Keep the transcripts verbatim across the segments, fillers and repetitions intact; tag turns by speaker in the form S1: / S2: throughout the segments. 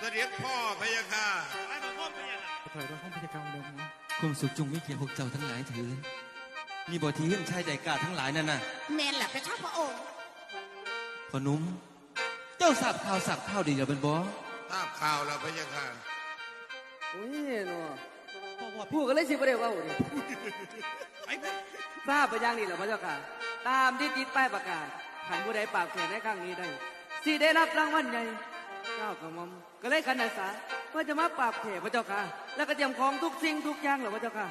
S1: ด็จพ่อพะยะค่ะ
S2: ถอยรถห้องพยากรรมเดิมนะ
S3: ความสุขจงไม่เกี่ยวพวกเจ้าทั้งหลายเถิดนี่บ่ที่เฮื่องชายใจกล้าทั้งหลายนั่นน่ะ
S4: แมนแหละพระเจ้าพระองค์
S3: พ่อหนุ่มเจ้าทราบข่าวสักข่าวดีแล้วเป็นบ่
S1: ทราบข่าวแล้วพะยะค่ะ
S2: โอ้ยเนาะพูดกันเลยสิประเดี๋ยวว่าโอ้ยทราบไปยังนี่แหละพระเจ้าค่ะตามที่ติดป้ายประกาศขันผู้ใดปากแขนในครั้งนี้ได้สิได้รับรางวัลใหญ่เจ้ากระหม่อมก็เลยขันอาสาเพื่อจะมาปราบแขกพระเจ้าค่ะแล้วก็เตรียมของทุกสิ่งทุกอย่างเหรอพระเจ้าค่ะ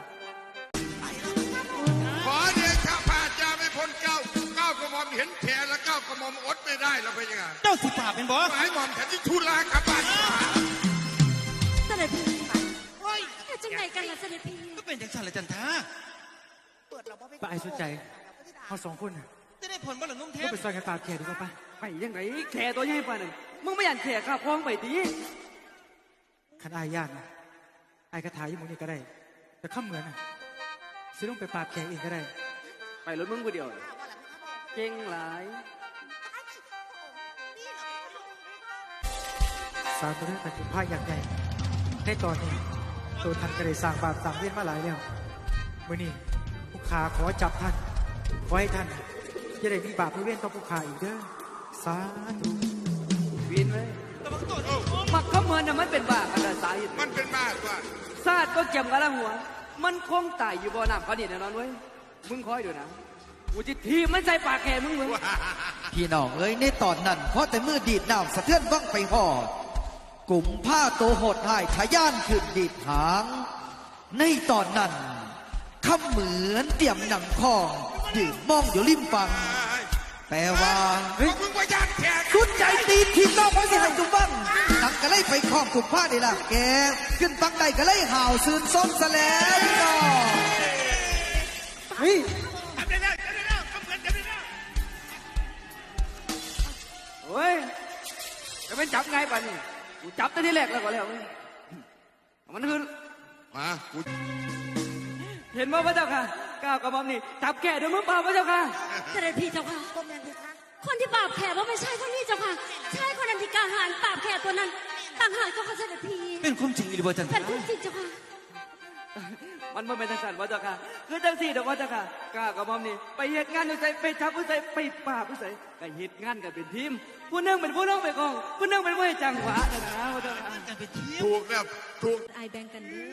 S1: ขอเดชะพระเจ้าไม่พ้นเก้าเก้ากระหม่อมเห็นแผลแล้วเก้ากระหม่อมอดไม่ได้แล้วพะยะค่ะ
S3: เจ้าสิปราบเป็นบ่
S1: หมายหม่อมแทนที่ทุลากลับบ้าน
S4: เสด็จพี่โอ้ยจังไหนกันล่ะเสด็จพี่
S3: ก็เป็นจังสันละจันทา
S2: ป้าไอ้สนใจเขาสองคน
S3: จะได้ผลบ่ล่ะนุ่มเทพ
S2: ไปซอยกันปราบแขกดีกว่าป้าไปยังไงแขกตัวใหญ่ป่านึงมึงไม่อยากแขกข้าพ้องไปดีขันอายญาตินะไอ้กระถายยี่มุนี่ก็ได้แต่ข้าเหมือนนะซื้อลงไปปราบแขกเองก็ได้ไปรถมึงคนเดียวเก่งหลายสารตัวนี้เป็นผ้าอย่างใหญ่ในตอนนี้ตัวท่านก็ได้สร้างบาปสร้างเวรมาหลายแล้วมื่อนี้ผู้ขาขอจับท่านขอให้ท่านจะได้มีบาปไม่เว้นต่อผู้ขาอีกเด้อสาธุวินไว้มักขมือนน่ะมันเป็นบาปอะไรสาเหตุ
S1: มันเป็นบ้าว่า
S2: ซาดก็เกี่ยมกันละหัวมันคงตายอยู่บ่อน้ำเขานี่แน่นอนเว้ยมึงคอยดูนะกูจะทีมันใส่ปากแกมึงมึง
S5: พี่น้องเอ้ยในตอนนั้นเพราะแต่มือดีดน้ำสะเทือนวังไปหอดกลุ่มผ้าโตโหดหายทะยานขึ้นดีดหางในตอนนั้นคำเหมือนเตรียมหนังคองดื่มมองอยู่ริมฝั่งแปลว่า
S1: เฮ้ยมึงว่าญาติแขก
S5: สุดใจตีทีมนอกเพราะสิให้จุบังนังก็เลยไปคล้องกลุ่มผ้าได้ละแกขึ้นฟังใดก็เลยห่าวซื่นส้มซะแล้วก็
S2: เฮ้ยโอ้ยจะเป็นจับไงป่ะนี่กูจับตั้งที่แรกแล้วก็แล้วมันคือ
S1: มากู
S2: เห็นว่าพระเจ้าค่ะก้าวกระหม่อมนี่จับแก่ด้วยมือเปล่าพระเจ้าค่ะ
S4: เสด็จพี่เจ้าค่ะคนที่ปราบแขกว่าไม่ใช่คนนี้เจ้าค่ะใช่คนนั้นที่กาหารปราบแขกตัวนั้นต่างหากเจ้าค่ะเสด็จพี่
S3: เป็นความจริงหรือว่าจันทา
S4: เป็นความจริงเจ้าค่ะ
S2: มันไม่เป็นทางสารพระเจ้าค่ะคือจังสี่เดี๋ยวพระเจ้าค่ะก้าวกระหม่อมนี่ไปเหตุงานอยู่ใจไปจับผู้ใจไปปราบผู้ใจก็เหตุงานกันเป็นทีมผู้นึงเป็นผู้น้องไปกองผู้นึงเป็นผู้ให้จังหวะนะนะพระเจ้าค่ะ
S1: ถูกแบบถูก
S4: ไอแบ่งกันเด้อ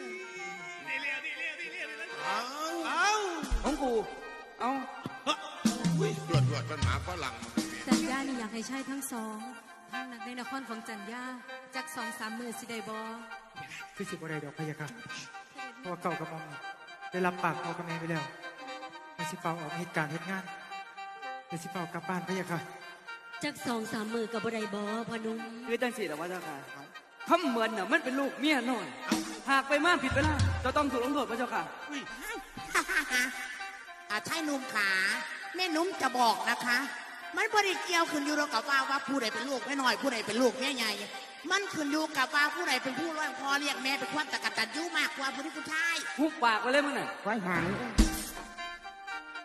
S2: เอาของกูเอา
S1: ตรวจตรวจเป็นหมาฝรั่ง
S4: จันย่านี่อยากให้ใช่ทั้งสองทั้งนักในนครของจันย่าจากสองสามมือสิได้บอ
S2: คือสิบอะไรดอกพยาค่ะเพราะว่าเก่ากับมอมได้รับปากเอากับแม่ไปแล้วมาสิเฝ้าออกเหตุการณ์เหตุงานมาสิเฝ้ากลับบ้านพยาค่ะ
S4: จากสองสามมือกับอะไรบอพนุ่ม
S2: คือจังสี่แต่ว่าเจ้าค่ะคำเหมือนน่ะมันเป็นลูกเมียน้อยหากไปมากผิดไปแล้วจะต้องถูกลงโทษพระเจ้าค่ะ
S4: อาชายนุ่มขาแม่นุ่มจะบอกนะคะมันบริเกี่ยวขึ้นอยู่กับว่าว่าผู้ใดเป็นลูกแม่น้อยผู้ใดเป็นลูกแม่ใหญ่มันขึ้นอยู่กับว่าผู้ใดเป็นผู้เลี้ยงพ่อเลี้ยงแม่เป็นความตะกัดตันยุ่มากกว่าผู้ที่ผู้ชาย
S2: หุบปากไปเลยมึงน่ะ
S4: ไว้หาง